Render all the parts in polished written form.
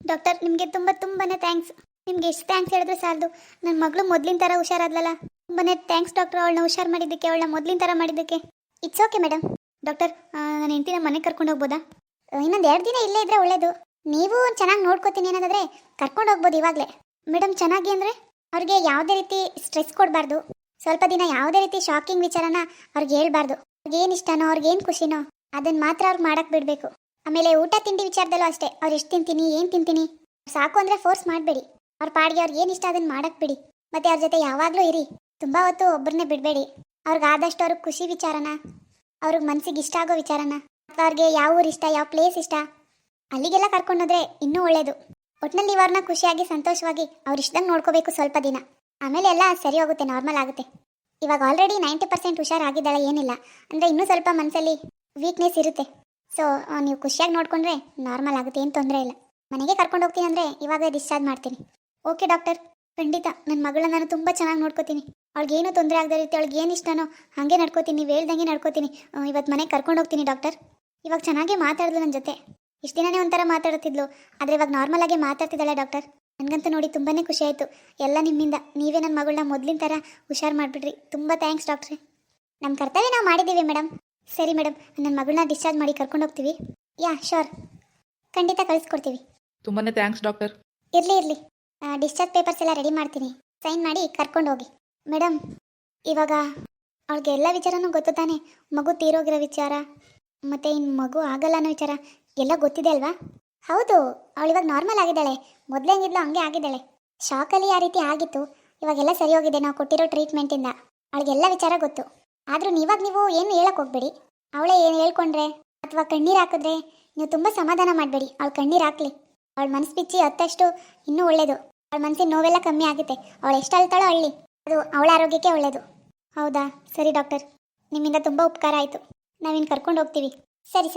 Doctor ನಿಮಗೆ ತುಂಬಾನೇ thanks. ನಿಮ್ಗೆ ಎಷ್ಟು ಥ್ಯಾಂಕ್ಸ್ ಹೇಳಿದ್ರೆ ಸಾಲದು. ನನ್ನ ಮಗಳು ಮೊದಲಿನ ಥರ ಹುಷಾರಾದ್ಲಲ್ಲ, ತುಂಬಾನೇ ಥ್ಯಾಂಕ್ಸ್ ಡಾಕ್ಟರ್. ಅವಳನ್ನ ಹುಷಾರು ಮಾಡಿದ್ದಕ್ಕೆ, ಅವಳನ್ನ ಮೊದಲಿನ ಥರ ಮಾಡಿದ್ದಕ್ಕೆ. It's okay madam. ಡಾಕ್ಟರ್, ನನ್ನ ಹೆಂಡತಿನ ಮನೆಗೆ ಕರ್ಕೊಂಡು ಹೋಗ್ಬೋದಾ? ಇನ್ನೊಂದು 2 ದಿನ ಇಲ್ಲೇ ಇದ್ರೆ ಒಳ್ಳೇದು. ನೀವು ಚೆನ್ನಾಗಿ ನೋಡ್ಕೋತೀನಿ ಅನ್ನೋದಾದ್ರೆ ಕರ್ಕೊಂಡು ಹೋಗ್ಬೋದು ಇವಾಗಲೇ. ಮೇಡಮ್, ಚೆನ್ನಾಗಿ ಅಂದರೆ ಅವ್ರಿಗೆ ಯಾವುದೇ ರೀತಿ ಸ್ಟ್ರೆಸ್ ಕೊಡಬಾರ್ದು. ಸ್ವಲ್ಪ ದಿನ ಯಾವುದೇ ರೀತಿ ಶಾಕಿಂಗ್ ವಿಚಾರನ ಅವ್ರಿಗೆ ಹೇಳ್ಬಾರ್ದು. ಅವ್ರಿಗೆ ಏನು ಇಷ್ಟನೋ, ಅವ್ರಿಗೆ ಏನು ಖುಷಿನೋ ಅದನ್ನು ಮಾತ್ರ ಅವ್ರಿಗೆ ಮಾಡಕ್ಕೆ ಬಿಡಬೇಕು. ಆಮೇಲೆ ಊಟ ತಿಂಡಿ ವಿಚಾರದಲ್ಲೂ ಅಷ್ಟೇ. ಅವ್ರು ಎಷ್ಟು ತಿಂತೀನಿ, ಏನು ತಿಂತೀನಿ ಸಾಕು ಅಂದರೆ ಫೋರ್ಸ್ ಮಾಡಬೇಡಿ. ಅವ್ರ ಪಾಡಿಗೆ ಅವ್ರಿಗೆ ಏನು ಇಷ್ಟ ಅದನ್ನು ಮಾಡಕ್ಕೆ ಬಿಡಿ. ಮತ್ತು ಅವ್ರ ಜೊತೆ ಯಾವಾಗಲೂ ಇರಿ. ತುಂಬ ಹೊತ್ತು ಒಬ್ಬರನ್ನೇ ಬಿಡಬೇಡಿ. ಅವ್ರಿಗೆ ಆದಷ್ಟು ಅವ್ರಿಗೆ ಖುಷಿ ವಿಚಾರನ, ಅವ್ರಿಗೆ ಮನಸ್ಸಿಗೆ ಇಷ್ಟ ಆಗೋ ವಿಚಾರನ, ಅಥವಾ ಅವ್ರಿಗೆ ಯಾವ ಊರು ಇಷ್ಟ, ಯಾವ ಪ್ಲೇಸ್ ಇಷ್ಟ ಅಲ್ಲಿಗೆಲ್ಲ ಕರ್ಕೊಂಡೋದ್ರೆ ಇನ್ನೂ ಒಳ್ಳೆಯದು. ಒಟ್ಟಿನಲ್ಲಿ ನೀವು ಅವ್ರನ್ನ ಖುಷಿಯಾಗಿ ಸಂತೋಷವಾಗಿ ಅವ್ರು ಇಷ್ಟದಂಗೆ ನೋಡ್ಕೋಬೇಕು ಸ್ವಲ್ಪ ದಿನ. ಆಮೇಲೆ ಎಲ್ಲ ಸರಿ ಹೋಗುತ್ತೆ, ನಾರ್ಮಲ್ ಆಗುತ್ತೆ. ಇವಾಗ ಆಲ್ರೆಡಿ 90% ಹುಷಾರಾಗಿದ್ದಾಳೆ, ಏನಿಲ್ಲ ಅಂದರೆ ಇನ್ನೂ ಸ್ವಲ್ಪ ಮನಸ್ಸಲ್ಲಿ ವೀಕ್ನೆಸ್ ಇರುತ್ತೆ. ಸೊ ನೀವು ಖುಷಿಯಾಗಿ ನೋಡಿಕೊಂಡ್ರೆ ನಾರ್ಮಲ್ ಆಗುತ್ತೆ, ಏನು ತೊಂದರೆ ಇಲ್ಲ. ಮನೆಗೆ ಕರ್ಕೊಂಡು ಹೋಗ್ತೀನಿ ಅಂದರೆ ಇವಾಗ ಡಿಸ್ಚಾರ್ಜ್ ಮಾಡ್ತೀನಿ. ಓಕೆ ಡಾಕ್ಟರ್, ಖಂಡಿತ ನನ್ನ ಮಗಳನ್ನ ನಾನು ತುಂಬ ಚೆನ್ನಾಗಿ ನೋಡ್ಕೋತೀನಿ. ಅವಳಿಗೇನು ತೊಂದರೆ ಆಗದ ರೀತಿ, ಅವಳಿಗೆ ಏನು ಇಷ್ಟನೋ ಹಾಗೆ ನಡ್ಕೋತೀನಿ, ನೀವು ಹೇಳ್ದಂಗೆ ನಡ್ಕೋತೀನಿ. ಇವತ್ತು ಮನೆಗೆ ಕರ್ಕೊಂಡು ಹೋಗ್ತೀನಿ ಡಾಕ್ಟರ್. ಇವಾಗ ಚೆನ್ನಾಗೇ ಮಾತಾಡಿದ್ಲು ನನ್ನ ಜೊತೆ. ಇಷ್ಟು ದಿನನೇ ಒಂಥರ ಮಾತಾಡುತ್ತಿದ್ಲು, ಆದರೆ ಇವಾಗ ನಾರ್ಮಲಾಗಿ ಮಾತಾಡ್ತಿದ್ದಾಳೆ ಡಾಕ್ಟರ್. ನನಗಂತೂ ನೋಡಿ ತುಂಬಾ ಖುಷಿ ಆಯಿತು. ಎಲ್ಲ ನಿಮ್ಮಿಂದ. ನೀವೇ ನನ್ನ ಮಗಳನ್ನ ಮೊದಲಿನ ಥರ ಹುಷಾರು ಮಾಡಿಬಿಡ್ರಿ. ತುಂಬ ಥ್ಯಾಂಕ್ಸ್ ಡಾಕ್ಟ್ರೆ. ನಮ್ಮ ಕರ್ತವ್ಯ ನಾವು ಮಾಡಿದ್ದೀವಿ ಮೇಡಮ್. ಸರಿ ಮೇಡಮ್, ನನ್ನ ಮಗಳನ್ನ ಡಿಸ್ಚಾರ್ಜ್ ಮಾಡಿ ಕರ್ಕೊಂಡು ಹೋಗ್ತೀವಿ. ಯಾ ಶೋರ್, ಖಂಡಿತ ಕಳಿಸ್ಕೊಡ್ತೀವಿ. ತುಂಬಾ ಥ್ಯಾಂಕ್ಸ್ ಡಾಕ್ಟರ್. ಇರಲಿ ಡಿಸ್ಚಾರ್ಜ್ ಪೇಪರ್ಸ್ ಎಲ್ಲ ರೆಡಿ ಮಾಡ್ತೀನಿ, ಸೈನ್ ಮಾಡಿ ಕರ್ಕೊಂಡು ಹೋಗಿ. ಮೇಡಮ್, ಇವಾಗ ಅವ್ಳಿಗೆ ಎಲ್ಲ ವಿಚಾರನೂ ಗೊತ್ತು ತಾನೆ? ಮಗು ತೀರೋಗಿರೋ ವಿಚಾರ, ಮತ್ತು ಇನ್ನು ಮಗು ಆಗಲ್ಲ ಅನ್ನೋ ವಿಚಾರ ಎಲ್ಲ ಗೊತ್ತಿದೆ ಅಲ್ವಾ? ಹೌದು, ಅವಳಿವಾಗ ನಾರ್ಮಲ್ ಆಗಿದ್ದಾಳೆ. ಮೊದಲೇ ಹೆಂಗಿದ್ಲು ಹಂಗೆ ಆಗಿದ್ದಾಳೆ. ಶಾಕಲ್ಲಿ ಆ ರೀತಿ ಆಗಿತ್ತು, ಇವಾಗೆಲ್ಲ ಸರಿ ಹೋಗಿದೆ ನಾವು ಕೊಟ್ಟಿರೋ ಟ್ರೀಟ್ಮೆಂಟಿಂದ. ಅವಳಿಗೆಲ್ಲ ವಿಚಾರ ಗೊತ್ತು. ಆದರೂ ನೀವು ಏನು ಹೇಳಕ್ಕೆ ಹೋಗ್ಬೇಡಿ. ಅವಳೇ ಏನು ಹೇಳ್ಕೊಂಡ್ರೆ ಅಥವಾ ಕಣ್ಣೀರು ಹಾಕಿದ್ರೆ ನೀವು ತುಂಬ ಸಮಾಧಾನ ಮಾಡಬೇಡಿ. ಅವಳು ಕಣ್ಣೀರು ಹಾಕಲಿ, ಅವಳ ಮನಸ್ಸು ಬಿಚ್ಚಿ ಹತ್ತಷ್ಟು ಇನ್ನೂ ಒಳ್ಳೆಯದು. ಅವಳ ಮನಸ್ಸಿನ ನೋವೆಲ್ಲ ಕಮ್ಮಿ ಆಗುತ್ತೆ. ಅವಳು ಎಷ್ಟು ಅಳ್ತಾಳೋ ಅಳ್ಳಿ, ಅದು ಅವಳ ಆರೋಗ್ಯಕ್ಕೆ ಒಳ್ಳೆಯದು. ಹೌದಾ? ಸರಿ ಡಾಕ್ಟರ್, ನಿಮ್ಮಿಂದ ತುಂಬ ಉಪಕಾರ ಆಯಿತು. ನಾವಿನ್ನು ಕರ್ಕೊಂಡು ಹೋಗ್ತೀವಿ. ಸರಿ.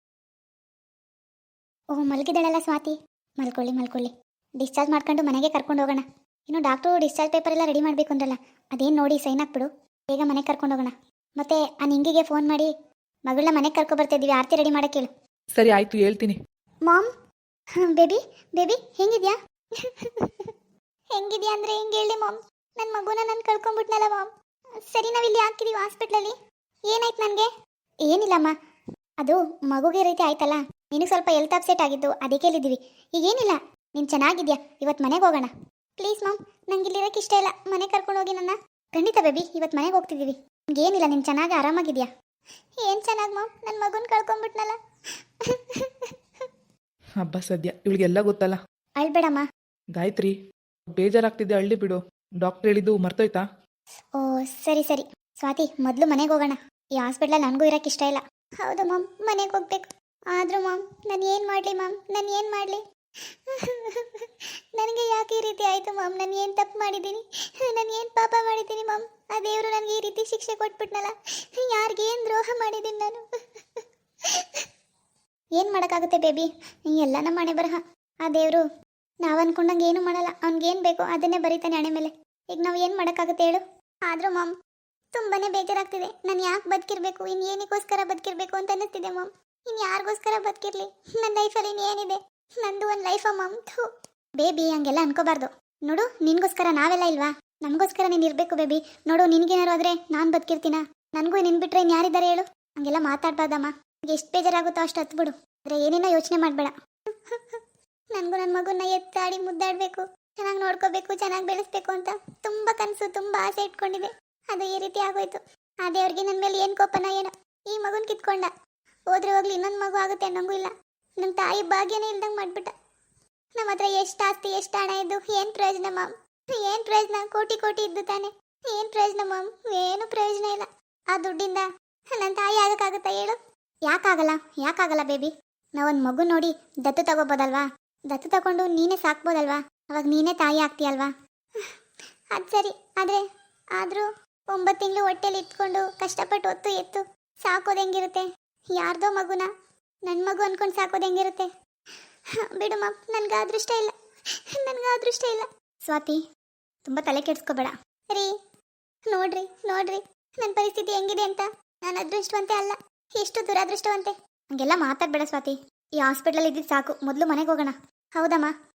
ಓಹ್, ಮಲಗಿದ್ದಾಳಲ್ಲ ಸ್ವಾತಿ. ಮಲ್ಕೊಳ್ಳಿ. ಡಿಸ್ಚಾರ್ಜ್ ಮಾಡ್ಕೊಂಡು ಮನೆಗೆ ಕರ್ಕೊಂಡು ಹೋಗೋಣ. ಇನ್ನು ಡಾಕ್ಟ್ರು ಡಿಸ್ಚಾರ್ಜ್ ಪೇಪರ್ ಎಲ್ಲ ರೆಡಿ ಮಾಡಬೇಕು ಅಂದ್ರಲ್ಲ, ಅದೇನು ನೋಡಿ ಸೈನ್ ಹಾಕ್ಬಿಡು. ಬೇಗ ಮನೆಗೆ ಕರ್ಕೊಂಡು ಹೋಗೋಣ. ಮತ್ತೆ ಆ ನಿಂಗಿಗೆ ಫೋನ್ ಮಾಡಿ ಮಗಳನ್ನ ಮನೆಗೆ ಕರ್ಕೊಬರ್ತಿದ್ದೀವಿ, ಆರತಿ ರೆಡಿ ಮಾಡೋಕ್ಕೆ ಹೇಳು. ಸರಿ ಆಯಿತು, ಹೇಳ್ತೀನಿ. Ma'am, baby ಹೆಂಗಿದ್ಯಾ? ಹೆಂಗಿದ್ಯಾ ಅಂದರೆ ಹೆಂಗೆ ಹೇಳಿ ಮಾಮ್? ನನ್ನ ಮಗುನ ನಾನು ಕಳ್ಕೊಂಬಿಟ್ನಲ್ಲ ಮಾಮ್. ಸರಿ, ನಾವಿಲ್ಲಿ ಹಾಕಿದ್ದೀವಿ ಹಾಸ್ಪಿಟ್ಲಲ್ಲಿ. ಏನಾಯ್ತು ನನಗೆ? ಏನಿಲ್ಲಮ್ಮ, ಅದು ಮಗುಗೆ ರೀತಿ ಆಯ್ತಲ್ಲ, ನಿನಗೆ ಸ್ವಲ್ಪ ಹೆಲ್ತ್ ಅಪ್ಸೆಟ್ ಆಗಿತ್ತು, ಅದಕ್ಕೆ ಹೇಳಿದ್ದೀವಿ. ಈಗೇನಿಲ್ಲ, ನೀನು ಚೆನ್ನಾಗಿದ್ಯಾ. ಇವತ್ತು ಮನೆಗೆ ಹೋಗೋಣ ಪ್ಲೀಸ್ ಮಾಮ್. ನಂಗೆ ಇಲ್ಲಿರೋಕ್ಕೆ ಇಷ್ಟ ಇಲ್ಲ, ಮನೆಗೆ ಕರ್ಕೊಂಡು ಹೋಗಿ ನನ್ನ. ಖಂಡಿತ ಬೇಬಿ, ಇವತ್ತು ಮನೆಗೆ ಹೋಗ್ತಿದ್ದೀವಿ. ಏನಿಲ್ಲ, ನೀನು ಚೆನ್ನಾಗಿ ಆರಾಮಾಗಿದ್ಯಾ? ಏನು ಚೆನ್ನಾಗಿ ಮಾಮ್, ನನ್ನ ಮಗುನ ಕಳ್ಕೊಂಬಿಟ್ನಲ್ಲ. ಹಬ್ಬ ಸದ್ಯ ಇವಳಿಗೆಲ್ಲ ಗೊತ್ತಲ್ಲ. ಅಳ್ಬೇಡಮ್ಮ. ಗಾಯತ್ರಿ, ಬೇಜಾರಾಗ್ತಿದ್ದೆ, ಅಳ್ಳಿ ಬಿಡು. ಡಾಕ್ಟರ್ ಹೇಳಿದ್ದು ಮರ್ತೋಯ್ತಾ? ಓ ಸರಿ. ಸ್ವಾತಿ, ಮೊದಲು ಮನೆಗೆ ಹೋಗೋಣ. ಈ ಹಾಸ್ಪಿಟ್ಲಲ್ಲಿ ನನಗೂ ಇರೋಕ್ಕೆ ಇಷ್ಟ ಇಲ್ಲ. ಹೌದು ಮಾಮ್, ಮನೆಗೆ ಹೋಗ್ಬೇಕು. ಆದರೂ ಮಾಮ್, ನಾನು ಏನು ಮಾಡಲಿ ಮಾಮ್? ನಾನು ಏನು ಮಾಡಲಿ? ನನಗೆ ಯಾಕೆ ಈ ರೀತಿ ಆಯಿತು ಮಾಮ್? ನಾನು ಏನು ತಪ್ಪು ಮಾಡಿದ್ದೀನಿ? ನಾನು ಏನು ಪಾಪ ಮಾಡಿದ್ದೀನಿ ಮಾಮ್? ಆ ದೇವರು ನನಗೆ ಈ ರೀತಿ ಶಿಕ್ಷೆ ಕೊಟ್ಬಿಟ್ನಲ್ಲ. ಯಾರಿಗೇನು ದ್ರೋಹ ಮಾಡಿದ್ದೀನಿ ನಾನು? ಏನು ಮಾಡೋಕ್ಕಾಗುತ್ತೆ ಬೇಬಿ? ಎಲ್ಲ ನಮ್ಮ ಹಣೆ ಬರಹ. ಆ ದೇವರು ನಾವು ಅಂದ್ಕೊಂಡಂಗೆ ಏನೂ ಮಾಡಲ್ಲ. ಅವ್ನಿಗೇನು ಬೇಕೋ ಅದನ್ನೇ ಬರೀತಾನೆ ಹಣೆ ಮೇಲೆ. ಈಗ ನಾವು ಏನು ಮಾಡೋಕ್ಕಾಗುತ್ತೆ ಹೇಳು? ಆದರೂ ಮಾಮ್, ತುಂಬಾ ಬೇಜಾರಾಗ್ತಿದೆ. ನಾನು ಯಾಕೆ ಬದುಕಿರ್ಬೇಕು? ಇನ್ನು ಏನಕ್ಕೋಸ್ಕರ ಬದುಕಿರ್ಬೇಕು ಅಂತ ಅನ್ನಿಸ್ತಿದೆ ಮಾಮ್. ಇನ್ನು ಯಾರಿಗೋಸ್ಕರ ಬದುಕಿರ್ಲಿ? ನನ್ನ ಲೈಫಲ್ಲಿ ಇನ್ನೇನಿದೆ? ನಂದು ಒಂದು ಲೈಫಾ ಮಾಮ್? ಬೇಬಿ, ಹಂಗೆಲ್ಲ ಅನ್ಕೋಬಾರ್ದು. ನೋಡು, ನಿನಗೋಸ್ಕರ ನಾವೆಲ್ಲ ಇಲ್ವಾ? ನಮಗೋಸ್ಕರ ನೀನು ಇರಬೇಕು ಬೇಬಿ. ನೋಡು, ನಿನಗೇನಾರು ಆದರೆ ನಾನು ಬದುಕಿರ್ತೀನ? ನನಗೂ ನಿನ್ನ ಬಿಟ್ಟರೆ ಇನ್ನು ಯಾರಿದ್ದಾರೆ ಹೇಳು? ಹಂಗೆಲ್ಲ ಮಾತಾಡ್ಬಾರ್ದಮ್ಮ. ಎಷ್ಟು ಬೇಜಾರಾಗುತ್ತೋ ಅಷ್ಟು ಹತ್ಬಿಡು. ಆದರೆ ಏನೇನೋ ಯೋಚನೆ ಮಾಡಬೇಡ. ನನಗೂ ನನ್ನ ಮಗುನ ಎತ್ತಾಡಿ ಮುದ್ದಾಡಬೇಕು, ಚೆನ್ನಾಗಿ ನೋಡ್ಕೋಬೇಕು, ಚೆನ್ನಾಗಿ ಬೆಳೆಸ್ಬೇಕು ಅಂತ ತುಂಬ ಕನಸು, ತುಂಬ ಆಸೆ ಇಟ್ಕೊಂಡಿದೆ. ಅದು ಈ ರೀತಿ ಆಗೋಯ್ತು. ಆ ದೇವ್ರಿಗೆ ನನ್ನ ಮೇಲೆ ಏನು ಕೋಪನ ಏನೋ, ಈ ಮಗುನ ಕಿತ್ಕೊಂಡ. ಹೋದ್ರೆ ಹೋಗ್ಲಿ, ಇನ್ನೊಂದು ಮಗು ಆಗುತ್ತೆ ಅನ್ನೋಂಗೂ ಇಲ್ಲ. ನಮ್ಮ ತಾಯಿ ಭಾಗ್ಯನೇ ಇಲ್ದಂಗೆ ಮಾಡಿಬಿಟ್ಟ. ನಮ್ಮ ಹತ್ರ ಎಷ್ಟು ಆಸ್ತಿ, ಎಷ್ಟು ಹಣ ಇದ್ದು ಏನು ಪ್ರಯೋಜನ ಮಾಮ್? ಏನು ಪ್ರಯೋಜನ? ಕೋಟಿ ಇದ್ದು ತಾನೆ. ಏನು ಪ್ರಯೋಜನ ಮಾಮ್? ಏನು ಪ್ರಯೋಜನ ಇಲ್ಲ. ಆ ದುಡ್ಡಿಂದ ನನ್ನ ತಾಯಿ ಆಗೋಕ್ಕಾಗುತ್ತಾ ಹೇಳು? ಯಾಕಾಗಲ್ಲ ಬೇಬಿ? ನಾವೊಂದು ಮಗು ನೋಡಿ ದತ್ತು ತಗೋಬೋದಲ್ವಾ? ದತ್ತು ತಗೊಂಡು ನೀನೇ ಸಾಕ್ಬೋದಲ್ವಾ? ಅವಾಗ ನೀನೇ ತಾಯಿ ಆಗ್ತೀಯಲ್ವಾ? ಅದು ಸರಿ, ಆದರೂ 9 ತಿಂಗಳು ಹೊಟ್ಟೆಲಿ ಇಟ್ಕೊಂಡು ಕಷ್ಟಪಟ್ಟು ಹೊತ್ತು ಎತ್ತು ಸಾಕೋದು ಹೆಂಗಿರುತ್ತೆ? ಯಾರ್ದೋ ಮಗುನ ನನ್ನ ಮಗು ಅನ್ಕೊಂಡು ಸಾಕೋದು ಹೆಂಗಿರುತ್ತೆ? ಬಿಡು ಮಾಮ್, ನನಗೆ ಅದೃಷ್ಟ ಇಲ್ಲ. ಸ್ವಾತಿ, ತುಂಬ ತಲೆ ಕೆಡಿಸ್ಕೋಬೇಡ. ರೀ, ನೋಡ್ರಿ ನನ್ನ ಪರಿಸ್ಥಿತಿ ಹೆಂಗಿದೆ ಅಂತ. ನಾನು ಅದೃಷ್ಟವಂತೆ ಅಲ್ಲ, ಎಷ್ಟು ದುರಾದೃಷ್ಟವಂತೆ. ಹಂಗೆಲ್ಲ ಮಾತಾಡಬೇಡ ಸ್ವಾತಿ. ಈ ಹಾಸ್ಪಿಟ್ಲಲ್ಲಿ ಇದ್ದಿದ್ದು ಸಾಕು, ಮೊದಲು ಮನೆಗೆ ಹೋಗೋಣ. ಹೌದಮ್ಮ?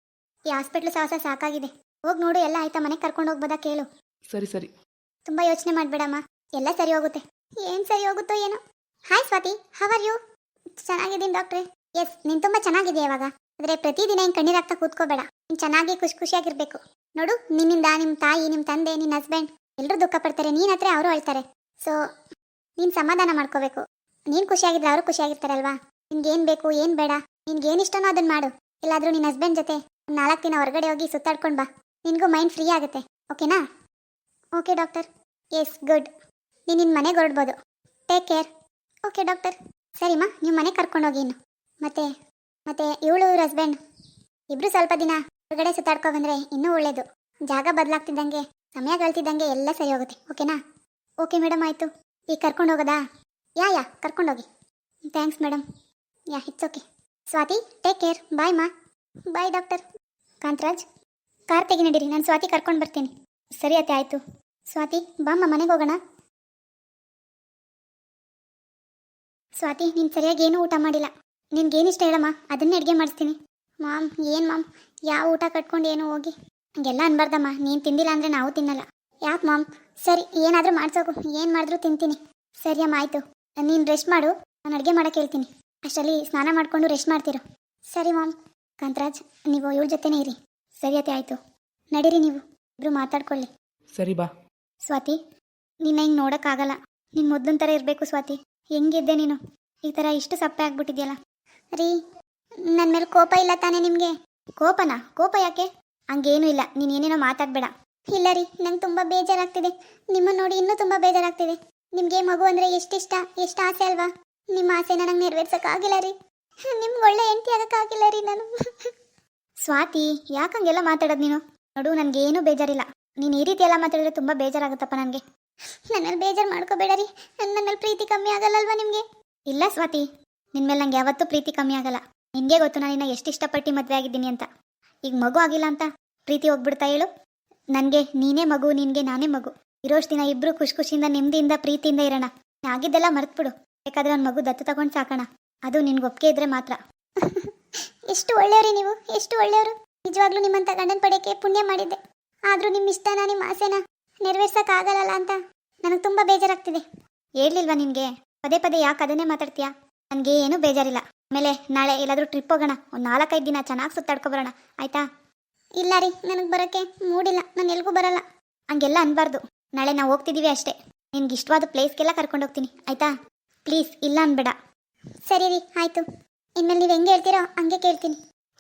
ಹಾಸ್ಪಿಟ್ಲು ಸಾಹಸ ಸಾಕಾಗಿದೆ. ಹೋಗಿ ನೋಡು ಎಲ್ಲ ಆಯ್ತಾ, ಮನೆಗೆ ಕರ್ಕೊಂಡು ಹೋಗ್ಬೋದಾ ಕೇಳು. ಸರಿ ಸರಿ. ತುಂಬ ಯೋಚನೆ ಮಾಡಬೇಡಮ್ಮ, ಎಲ್ಲ ಸರಿ ಹೋಗುತ್ತೆ. ಏನು ಸರಿ ಹೋಗುತ್ತೋ ಏನೋ. Hi Swathi, how are you? ಚೆನ್ನಾಗಿದ್ದೀನಿ ಡಾಕ್ಟ್ರೆ. ಎಸ್, ನೀನು ತುಂಬ ಚೆನ್ನಾಗಿದೆಯಾ ಇವಾಗ. ಆದರೆ ಪ್ರತಿದಿನ ಹಿಂಗೆ ಕಣ್ಣೀರಾಗ್ತಾ ಕೂತ್ಕೋಬೇಡ. ನೀನು ಚೆನ್ನಾಗಿ ಖುಷಿಯಾಗಿರ್ಬೇಕು. ನೋಡು, ನಿನ್ನಿಂದ ನಿಮ್ಮ ತಾಯಿ, ನಿಮ್ಮ ತಂದೆ, ನಿನ್ನ ಹಸ್ಬೆಂಡ್ ಎಲ್ಲರೂ ದುಃಖ ಪಡ್ತಾರೆ, ನೀನು ಹತ್ರ ಅವರು ಅಳ್ತಾರೆ. ಸೊ ನೀನು ಸಮಾಧಾನ ಮಾಡ್ಕೋಬೇಕು. ನೀನು ಖುಷಿಯಾಗಿದ್ರೆ ಅವರು ಖುಷಿಯಾಗಿರ್ತಾರಲ್ವಾ. ನಿನ್ಗೇನು ಬೇಕು ಏನು ಬೇಡ, ನಿನ್ಗೇನು ಇಷ್ಟನೋ ಅದನ್ನು ಮಾಡು. ಇಲ್ಲಾದರೂ ನಿನ್ನ ಹಸ್ಬೆಂಡ್ ಜೊತೆ 4 ದಿನ ಹೊರಗಡೆ ಹೋಗಿ ಸುತ್ತಾಡ್ಕೊಂಡು ಬಾ. ನಿನಗೂ ಮೈಂಡ್ ಫ್ರೀ ಆಗುತ್ತೆ. ಓಕೆನಾ? Okay doctor. Yes, good. ನೀನು ನಿನ್ನ ಮನೆಗೆ ಹೊರಡ್ಬೋದು. Take care. Okay doctor. ಸರಿಮ್ಮ, ನೀವು ಮನೆಗೆ ಕರ್ಕೊಂಡೋಗಿ ಇನ್ನು. ಮತ್ತೆ ಇವಳು ಇವ್ರ ಹಸ್ಬೆಂಡ್ ಇಬ್ಬರು ಸ್ವಲ್ಪ ದಿನ ಹೊರಗಡೆ ಸುತ್ತಾಡ್ಕೊ ಬಂದರೆ ಇನ್ನೂ ಒಳ್ಳೇದು. ಜಾಗ ಬದಲಾಗ್ತಿದ್ದಂಗೆ, ಸಮಯ ಕಳ್ತಿದ್ದಂಗೆ ಎಲ್ಲ ಸರಿ ಹೋಗುತ್ತೆ. ಓಕೆನಾ? ಓಕೆ ಮೇಡಮ್, ಆಯಿತು. ಈಗ ಕರ್ಕೊಂಡು ಹೋಗೋದಾ? ಯಾ ಕರ್ಕೊಂಡೋಗಿ. Thanks madam. Yeah, it's okay. Swathi, take care. Bye ಮಾ. Bye doctor. ಕಾಂತರಾಜ್, ಕಾರ್ ತೆಗಿ ನಡೀರಿ, ನಾನು ಸ್ವಾತಿ ಕರ್ಕೊಂಡು ಬರ್ತೀನಿ. ಸರಿ ಅತ್ತೆ, ಆಯಿತು. ಸ್ವಾತಿ, ಬಾಮ್ಮ ಮನೆಗೆ ಹೋಗೋಣ. ಸ್ವಾತಿ, ನೀನು ಸರಿಯಾಗಿ ಏನೂ ಊಟ ಮಾಡಿಲ್ಲ. ನಿನ್ಗೇನಿಷ್ಟ ಹೇಳಮ್ಮ, ಅದನ್ನೇ ಅಡುಗೆ ಮಾಡಿಸ್ತೀನಿ. ಮಾಮ್, ಏನು ಮಾಮ್, ಯಾವ ಊಟ ಕಟ್ಕೊಂಡು ಏನು ಹೋಗಿ ಹಂಗೆಲ್ಲ ಅನ್ಬಾರ್ದಮ್ಮ. ನೀನು ತಿಂದಿಲ್ಲ ಅಂದರೆ ನಾವು ತಿನ್ನಲ್ಲ. ಯಾಕೆ ಮಾಮ್? ಸರಿ, ಏನಾದರೂ ಮಾಡ್ಸೋಕು, ಏನು ಮಾಡಿದ್ರೂ ತಿಂತೀನಿ. ಸರಿ ಅಮ್ಮ, ಆಯಿತು. ನೀನು ರೆಸ್ಟ್ ಮಾಡು, ನಾನು ಅಡುಗೆ ಮಾಡೋಕ್ಕೆ ಹೇಳ್ತೀನಿ. ಅಷ್ಟರಲ್ಲಿ ಸ್ನಾನ ಮಾಡಿಕೊಂಡು ರೆಸ್ಟ್ ಮಾಡ್ತಿರು. ಸರಿ ಮಾಮ್. ಕಾಂತರಾಜ್, ನೀವು ಇವಳ ಜೊತೆನೇ ಇರಿ. ಸರಿ ಅತ್ತೆ, ಆಯಿತು. ನಡೀರಿ, ನೀವು ಇಬ್ಬರು ಮಾತಾಡ್ಕೊಳ್ಳಿ. ಸರಿ ಬಾ. ಸ್ವಾತಿ, ನಿನ್ನ ಹಿಂಗೆ ನೋಡೋಕ್ಕಾಗಲ್ಲ. ನೀನು ಮೊದಲಿನ ಥರ ಇರಬೇಕು ಸ್ವಾತಿ. ಹೆಂಗಿದ್ದೆ ನೀನು, ಈ ಥರ ಇಷ್ಟು ಸಪ್ಪೆ ಆಗ್ಬಿಟ್ಟಿದ್ಯಲ್ಲ. ರೀ, ನನ್ನ ಮೇಲೆ ಕೋಪ ಇಲ್ಲ ತಾನೇ ನಿಮಗೆ? ಕೋಪನಾ? ಕೋಪ ಯಾಕೆ? ಹಂಗೇನೂ ಇಲ್ಲ, ನೀನು ಏನೇನೋ ಮಾತಾಡಬೇಡ. ಇಲ್ಲ ರೀ, ನಂಗೆ ತುಂಬ ಬೇಜಾರಾಗ್ತಿದೆ. ನಿಮ್ಮನ್ನು ನೋಡಿ ಇನ್ನೂ ತುಂಬ ಬೇಜಾರಾಗ್ತಿದೆ. ನಿಮಗೆ ಮಗು ಅಂದರೆ ಎಷ್ಟಿಷ್ಟ, ಎಷ್ಟು ಆಸೆ ಅಲ್ವಾ? ನಿಮ್ಮ ಆಸೆನ ನಂಗೆ ನೆರವೇರ್ಸೋಕ್ಕಾಗಿಲ್ಲ ರೀ. ನಿಮ್ಗೆ ಒಳ್ಳೆ ಹೆಂಡತಿ ಆಗೋಕ್ಕಾಗಿಲ್ಲ ರೀ ನಾನು. ಸ್ವಾತಿ, ಯಾಕೆ ಹಂಗೆಲ್ಲ ಮಾತಾಡೋದು ನೀನು? ನೋಡು, ನನಗೇನೂ ಬೇಜಾರಿಲ್ಲ. ನೀನು ಈ ರೀತಿ ಎಲ್ಲ ಮಾತಾಡಿದ್ರೆ ತುಂಬ ಬೇಜಾರಾಗುತ್ತಪ್ಪ ನನಗೆ. ನನ್ನಲ್ಲಿ ಬೇಜಾರು ಮಾಡ್ಕೋಬೇಡ ರೀ. ನನ್ನ ಮೇಲೆ ಪ್ರೀತಿ ಕಮ್ಮಿ ಆಗಲ್ಲಲ್ವಾ ನಿಮಗೆ? ಇಲ್ಲ ಸ್ವಾತಿ, ನಿನ್ನ ಮೇಲೆ ನಂಗೆ ಯಾವತ್ತೂ ಪ್ರೀತಿ ಕಮ್ಮಿ ಆಗಲ್ಲ. ನಿನಗೆ ಗೊತ್ತು ನಾನು ನಿನ್ನ ಎಷ್ಟು ಇಷ್ಟಪಟ್ಟು ಮದುವೆ ಆಗಿದ್ದೀನಿ ಅಂತ. ಈಗ ಮಗು ಆಗಿಲ್ಲ ಅಂತ ಪ್ರೀತಿ ಹೋಗ್ಬಿಡ್ತಾ ಹೇಳು? ನನಗೆ ನೀನೇ ಮಗು, ನಿನಗೆ ನಾನೇ ಮಗು. ಇರೋಷ್ಟು ದಿನ ಇಬ್ಬರು ಖುಷಿಯಿಂದ ನೆಮ್ಮದಿಯಿಂದ ಪ್ರೀತಿಯಿಂದ ಇರೋಣ. ಆಗಿದ್ದೆಲ್ಲ ಮರೆತುಬಿಡು. ಬೇಕಾದ್ರೆ ಒಂದು ಮಗು ದತ್ತು ತಗೊಂಡು ಸಾಕೋಣ. ಅದು ನಿನ್ಗೆ ಒಪ್ಪಿಗೆ ಇದ್ರೆ ಮಾತ್ರ. ಎಷ್ಟು ಒಳ್ಳೆಯವ್ರಿ ನೀವು, ಎಷ್ಟು ಒಳ್ಳೆಯವರು. ನಿಜವಾಗ್ಲೂ ನಿಮ್ಮಂಥ ಗಂಡನ ಪಡೆಯೋಕ್ಕೆ ಪುಣ್ಯ ಮಾಡಿದ್ದೆ. ಆದರೂ ನಿಮ್ಮ ಇಷ್ಟನ, ನಿಮ್ಮ ಆಸೆನ ನೆರವೇರ್ಸೋಕ್ಕಾಗಲ್ಲ ಅಂತ ನನಗೆ ತುಂಬ ಬೇಜಾರಾಗ್ತಿದೆ. ಹೇಳಲಿಲ್ವಾ ನಿನಗೆ? ಪದೇ ಪದೇ ಯಾಕೆ ಅದನ್ನೇ ಮಾತಾಡ್ತೀಯಾ? ನನಗೆ ಏನೂ ಬೇಜಾರಿಲ್ಲ. ಆಮೇಲೆ ನಾಳೆ ಎಲ್ಲಾದರೂ ಟ್ರಿಪ್ ಹೋಗೋಣ. ಒಂದು 4-5 ದಿನ ಚೆನ್ನಾಗಿ ಸುತ್ತಾಡ್ಕೊಬರೋಣ, ಆಯಿತಾ? ಇಲ್ಲ ರೀ, ನನಗೆ ಬರೋಕ್ಕೆ ಮೂಡಿಲ್ಲ. ನಾನು ಎಲ್ಗೂ ಬರಲ್ಲ. ಹಂಗೆಲ್ಲ ಅನ್ಬಾರ್ದು. ನಾಳೆ ನಾವು ಹೋಗ್ತಿದ್ದೀವಿ ಅಷ್ಟೇ. ನಿನ್ಗೆ ಇಷ್ಟವಾದ ಪ್ಲೇಸ್ಗೆಲ್ಲ ಕರ್ಕೊಂಡು ಹೋಗ್ತೀನಿ, ಆಯಿತಾ? ಪ್ಲೀಸ್, ಇಲ್ಲ ಅನ್ಬೇಡ. ಸರಿ ರೀ, ಆಯಿತು. ಇನ್ಮೇಲೆ ನೀವು ಹೆಂಗೆ ಹೇಳ್ತೀರೋ ಹಂಗೆ ಕೇಳ್ತೀನಿ.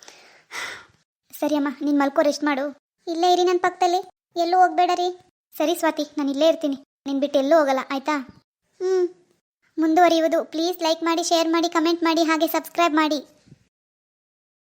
ಸರಿ ಅಮ್ಮ, ನೀನು ಮಲ್ಕೋ, ರೆಸ್ಟ್ ಮಾಡು. ಇಲ್ಲೇ ಇರಿ ನನ್ನ ಪಕ್ಕದಲ್ಲಿ, ಎಲ್ಲೂ ಹೋಗಬೇಡ ರೀ. ಸರಿ ಸ್ವಾತಿ, ನಾನು ಇಲ್ಲೇ ಇರ್ತೀನಿ. ನೀನು ಬಿಟ್ಟು ಎಲ್ಲೂ ಹೋಗಲ್ಲ, ಆಯಿತಾ? ಮುಂದುವರಿಯುವುದು. ಪ್ಲೀಸ್ ಲೈಕ್ ಮಾಡಿ, ಶೇರ್ ಮಾಡಿ, ಕಮೆಂಟ್ ಮಾಡಿ, ಹಾಗೆ ಸಬ್ಸ್ಕ್ರೈಬ್ ಮಾಡಿ.